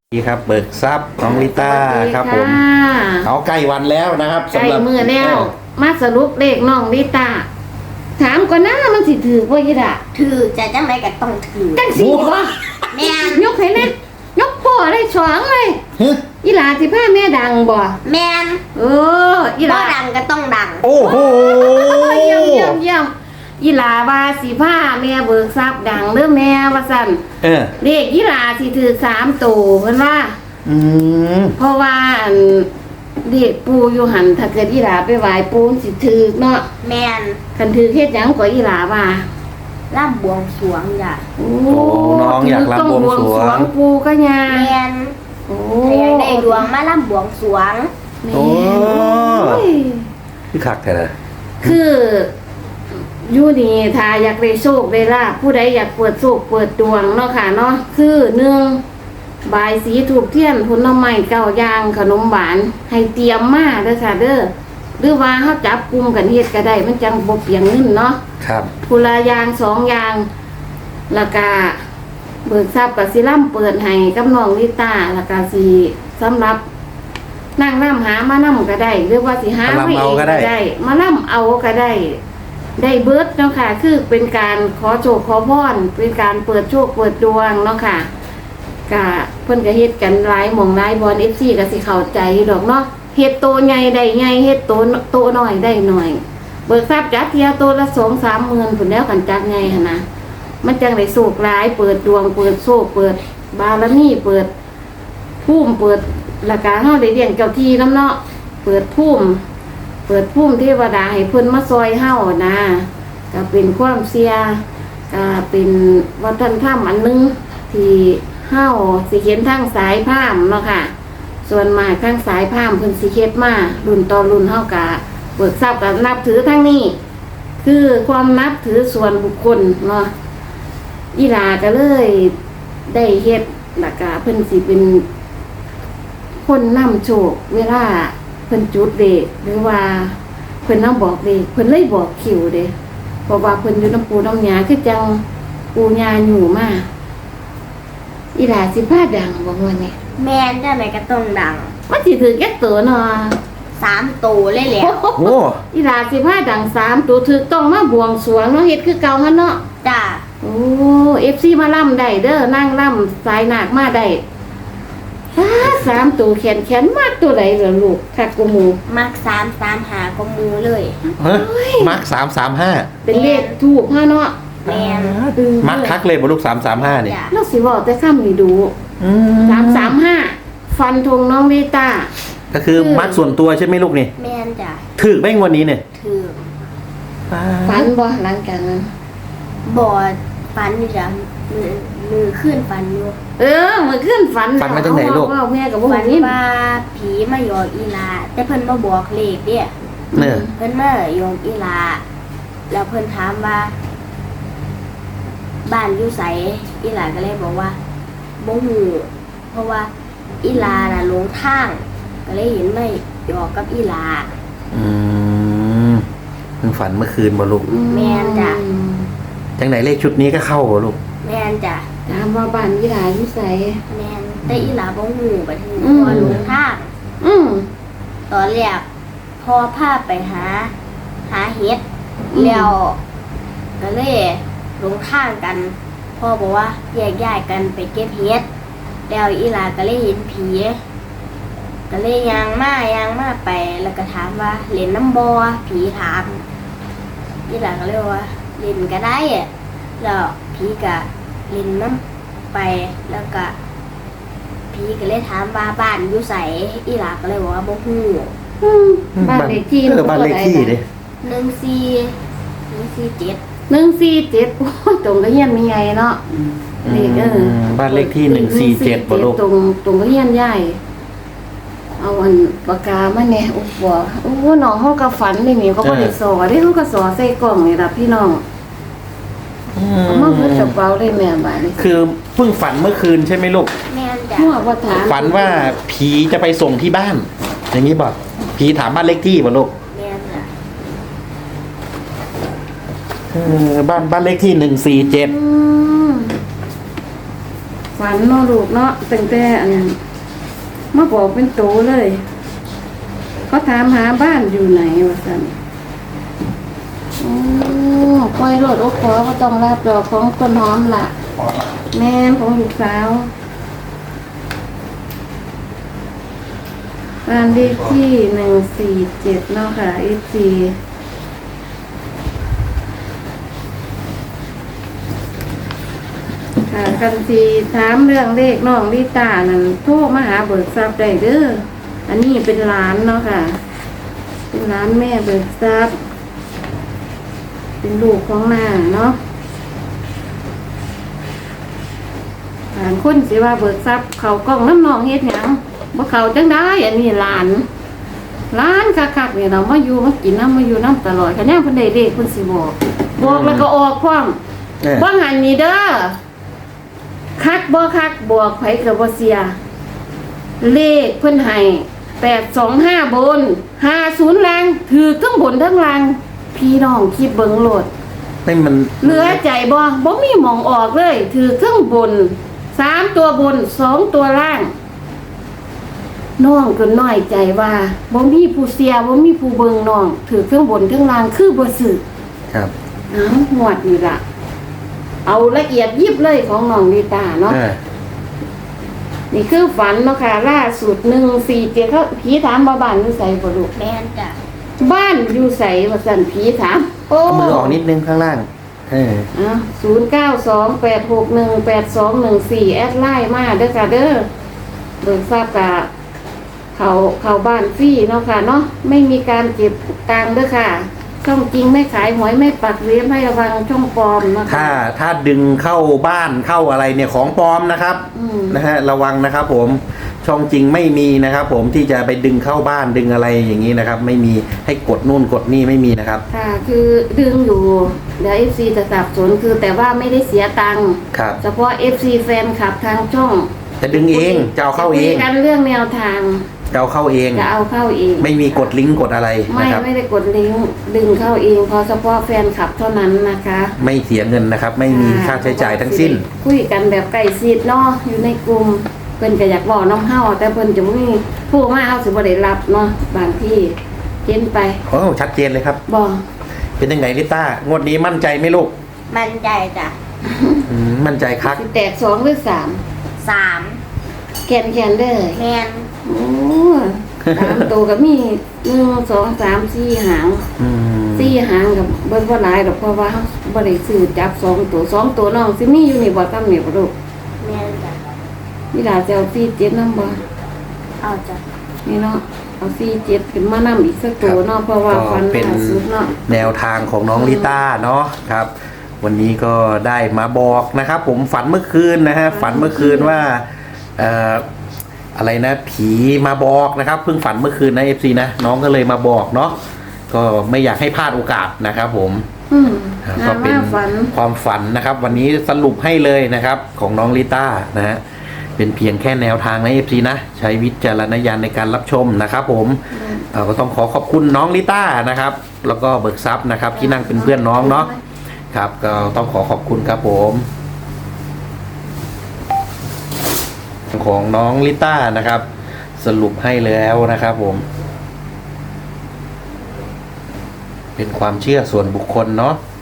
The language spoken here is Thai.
ดีครับเบิกทรัพย์น้องลิต้าครับผมเขาใกล้วันแล้วนะครับใกล้มือแล้วมาสรุปเลขน้องลิต้าถามก่อนนะมันสิถือบ่ยี่ล่ะถือจะจังไรก็ต้องถือจังสิบ่แม่นยกให้นะยกพ่อได้สองเลยฮึอีหลาสิพาแม่ดังบ่แม่นอีหบ่ลาดังก็ต้องดังโอ้โหเยี่ยมอีหลาว่าสิพาแม่เบิกทรัพย์ดังเด้อแม่ว่าซั่น เลขอีหลาสิถือ3ตัวเพิ่นว่าอืมเพราะว่าอันเด็กปูอยู่หันถ้าเกิดอีหลาไปไหว้ปูนสิถือเนาะแม่นคันถือเฮ็ดหยังกว่าอีหลาว่าร่ำบวงสรวงจ้ะโอ้น้องอยากรำบวงสรวงปูก็ยาแม่นโอ้ถ้าอยากได้ดวงมาร่ำบวงสรวงแม่โอ้โอ้ยพี่คักแท้เลยคืออยู่นี่ถ้าอยากได้โชคได้ลาภผู้ใดอยากเปิดโชคเปิดดวงเนาะค่ะเนาะคือ1บายสีถูกเทียนผลไม้9อย่างขนมหวานให้เตรียมมาเด้อค่ะเด้อหรือว่าเฮาจับกลุ่มกันเฮ็ดก็ได้มันจังบ่เปลียงเงินเนาะครับผู้ละอย่าง2อย่างแล้วก็เบิกทรัพย์กับสิล่ำเปิดให้กับน้องลิต้าแล้วก็สิสำหรับนั่งน้ำหามาน้ำก็ได้หรือว่าสิหาไม่เองก็ได้มาน้ำเอาก็ได้ได้เบิดเนาะค่ะคือเป็นการขอโชคขอพรเป็นการเปิดโชคเปิดดวงเนาะค่ะก็เพิ่นก็เฮ็ดกันหลายหม่องหลายบอล FC ก็สิเข้าใจดอกเนาะเฮ็ดโตใหญ่ได้ใหญ่เฮ็ดโตน้อยได้น้อย เบิกทรัพย์จัดเที่ยวตัวละ2-3 หมื่นผุนแล้วกันจัดไงหั่นนะมันจังได้โชคหลายเปิดดวงเปิดโชคเปิดบารมีเปิดภูมิเปิดราคาเฮาได้เลี้ยงเจ้าที่น้ำเนาะเปิดภูมิเทวดาให้เพิ่นมาซอยเฮานะก็เป็นความเสียก็เป็นวัฒนธรรมอันนึงที่เฮาสิเห็นทางสายพราหมณ์เนาะค่ะส่วนมากทางสายพราหมณ์เพิ่นสิเฮ็ดมารุ่นต่อรุ่นเฮาก็เบิกทรัพย์กับนับถือทั้งนี้ คือความนับถือส่วนบุคคลเนาะอีหลาก็เลยได้เฮ็ดหลักกะเพิ่นสิเป็นคนนำโชคเวลาเพิ่นจุดเด็กหรือว่าเพิ่นนำบอกเด็กเพิ่นเลยบอกคิวเด้เพราะว่าเพิ่นอยู่น้ำปูน้ำยาคือจังปูยาอยู่มาอีหลาสิพาดังบ่ว่านี่แม่นจังไรก็ต้องดังมันสิถือแก่ตัวเนาะ 3ตัวเลยแหล้วโอ้อีหลาสิพาดัง3ตัวถึกต้องมาบวงสรวงเนาะเฮ็ดคือเก่าหั่นเนาะจ้ะโอ้FC มาล่ำได้เด้อนั่งล่ำสายหนักมาได้3ตัวแขนมากตัวใดเหรอลูกคักกูหมูมัก3 3 5ก็มูเลยฮะมาร์ค335 เป็นเลขถูกฮะเนาะแม่นมาร์คคักเลยบ่ลูก335นี่จ้ะเราสิบอกแต่ค่ำนี่ดูอืม 335ฟันธงน้องลิต้าก็คือมาร์คส่วนตัวใช่ไหมลูกนี่แม่นจ้ะถึกไหมงวันนี้เนี่ยถือฟันบ่หลังจากนั้นบอดฟันอยู่จ้ะมือขึ้นฟันอยู่มื้อคืนฝันฝันมาจากไหนลูกว่าแม่ก็บ่ฝันฮู้ว่าผีมาหยอกอีหลาแต่เพิ่นมาบอกเลขเด้เนี่ยเพิ่นมาหยอกอีหลาแล้วเพิ่นถามว่า บ้านอยู่ไสอีหลาก็เลยบอกว่าบ่ฮู้เพราะว่าอีหลาน่ะหลงทาง ก็เลยเห็นไม่หยอกกับอีหลาอืมเพิ่งฝันเมื่อคืนบ่ลูกแม่นจ้ะจังไหนเลขชุดนี้ก็เข้าบ่ลูกแม่นจ้ะถามว่าบ้านอีหลาอยู่ไสแม่นแต่อีหลาบ่ฮู้บัดนี้อืมเพราะว่าหลงทางอืมตอนแรกพอพาไปหาเห็ดแล้วก็เลยหลงทางกันพ่อบอกว่าแยกย้ายกันไปเก็บเห็ดแล้วอีหลาก็เลยเห็นผีก็เลยยางมาไปแล้วก็ถามว่าเล่นน้ำบอผีถามอีหลาก็เลยว่าเล่นก็ได้อะแล้วผีก็เล่นน้ำไปแล้วก็ผีก็เลยถามว่าบ้านอยู่ไสอีหลาก็เลยบอกว่าบ่ฮู้บ้านเลขที่บ้านเลขที่เด้ 14147 147โอ้ยตรงก็เฮียนมีไงเนาะเลขบ้านเลขที่147บ่ลูกตรงก็เฮียนใหญ่เอาอันปากกามาแน่โอ้บ่โอ้น้องเฮาก็ฝันนี่นี่เขาบ่ได้สอเด้เขาก็สอใส่กล่องนี่ล่ะพี่น้องเอามาเพิ่นกระเป๋าได้แม่บาดนี้คือเพิ่งฝันเมื่อคืนใช่ไหมลูกแม่นจ้ะหัวบ่ถามฝันว่าผีจะไปส่งที่บ้าน อย่างนี้บอกผีถามบ้านเลขที่บ่ลูกแม่นจ้ะบ้านเลขที่147 อืมฝันเนาะลูกเนาะตั้งแต่อันมาบอกเป็นโตเลยเขาถามหาบ้านอยู่ไหนวะสันโอ้ปล่อยรถโอ้ขอก็ต้องรับดอกของต้นหอมล่ะ แม่นของลูกสาวบ้านเลขที่147เนาะค่ะ FC ค่ะกันทีถามเรื่องเลขน้องลิตานั่นโทรมาหาเบิกทรัพย์ได้เด้ออันนี้เป็นร้านเนาะค่ะ เป็นร้านแม่เบิกทรัพย์เป็นลูกของนาเนาะหลานคนสิว่าเบิกทรัพย์เขากล้องน้ำนองเฮ็ดหยังบ่เขาจังได้อันนี้หลานคักๆเนี่ยเรามาอยู่มากินน้ำมาอยู่น้ำตลอดคันแนนเพิ่นได้เลขเพิ่นสิบอกแล้วก็ออกพร้อม บ่หันนี่เด้อคักบ่คักบวกไผก็บ่เสียเลขเพิ่นให้825บน50ล่างถือทั้งบนทั้งล่างพี่น้องคิดเบิ่งโลดไม่มันเหลือใจบ่มีหม่องออกเลยถือทั้งบน3ตัวบน2ตัวล่างน้องก็น้อยใจว่าบ่มีผู้เสียบ่มีผู้เบิ่งน้องถือทั้งบนทั้งล่างคือบ่ซื้อครับหวดนี่ล่ะเอาละเอียดยิบเลยของน้องลิตาเนาะนี่คือฝันเนาะค่ะล่าสุด147เขาผีถามบ้านอยู่ไสบ่ลูกแม่นจ้ะบ้านอยู่ไสว่าซั่นผีถามโอ้เอามือออกนิดนึงข้างล่าง 0928618214แอดไลน์มาเด้อค่ะเด้อเบิกทราบกะเขาบ้านฟรีเนาะค่ะเนาะไม่มีการเก็บตังค์เด้อค่ะช่องจริงไม่ขายหวยไม่ปักเลี้ยงให้ระวังช่องปลอมนะคะถ้าดึงเข้าบ้านเข้าอะไรเนี่ยของปลอมนะครับนะฮะระวังนะครับผมช่องจริงไม่มีนะครับผมที่จะไปดึงเข้าบ้านดึงอะไรอย่างนี้นะครับไม่มีให้กดนู่นกดนี่ไม่มีนะครับค่ะคือดึงอยู่เดี๋ยว FC จะสับสนคือแต่ว่าไม่ได้เสียตังค์ครับเฉพาะ FC แฟนคลับทางช่องจะดึงเองจะเอาเข้าเองกันเรื่องแนวทางจะเอาเข้าเองจะเอาเข้าเองไม่มีกดลิงก์กดอะไรนะครับไม่ได้กดลิงก์ดึงเข้าเองเพราะเฉพาะแฟนคลับเท่านั้นนะคะไม่เสียเงินนะครับไม่มีค่าใช้จ่ายทั้งสิ้นคุยกันแบบใกล้ชิดเนาะอยู่ในกลุ่มเพิ่นก็อยากบอกน้องเฮาแต่เพิ่นจะบ่มีผู้มาเฮาสิบ่ได้รับเนาะบางที่เห็นไปโอ้ชัดเจนเลยครับบ่เป็นยังไงลิต้างวดนี้มั่นใจไหมลูกมั่นใจจ้ะมั่นใจคักแตก2หรือ 3 แคนเด้อแม่นโอ้3ตัวก็มี1 2 3 4หาง4หางกับเบิ่งบ่หลายดอกเพราะว่าบ่ได้ซื้อจับ2ตัวน้องสิมีอยู่นี่บ่ตำนี่บ่ลูกแม่นจ้ะนี่ล่ะจะเอา47นำบ่เอาจ้ะนี่เนาะเอา47ขึ้นมานำอีกสักตัวเนาะเพราะว่าฟันล่าสุดเนาะแนวทางของน้องลิต้าเนาะครับวันนี้ก็ได้มาบอกนะครับผมฝันเมื่อคืนนะฮะฝันเมื่อคืนว่าอะไรนะผีมาบอกนะครับเพิ่งฝันเมื่อคืนนะ FC นะน้องก็เลยมาบอกเนาะก็ไม่อยากให้พลาดโอกาสนะครับผมก็เป็นความฝันนะครับวันนี้สรุปให้เลยนะครับของน้องลิต้านะฮะเป็นเพียงแค่แนวทางใน FC นะใช้วิจารณญาณในการรับชมนะครับผมก็ต้องขอบคุณน้องลิต้านะครับแล้วก็เบิกทรัพย์นะครับที่นั่งเป็นเพื่อนน้องเนาะครับก็ต้องขอบคุณครับผมของน้องลิต้านะครับสรุปให้แล้วนะครับผมเป็นความเชื่อส่วนบุคคลเนาะ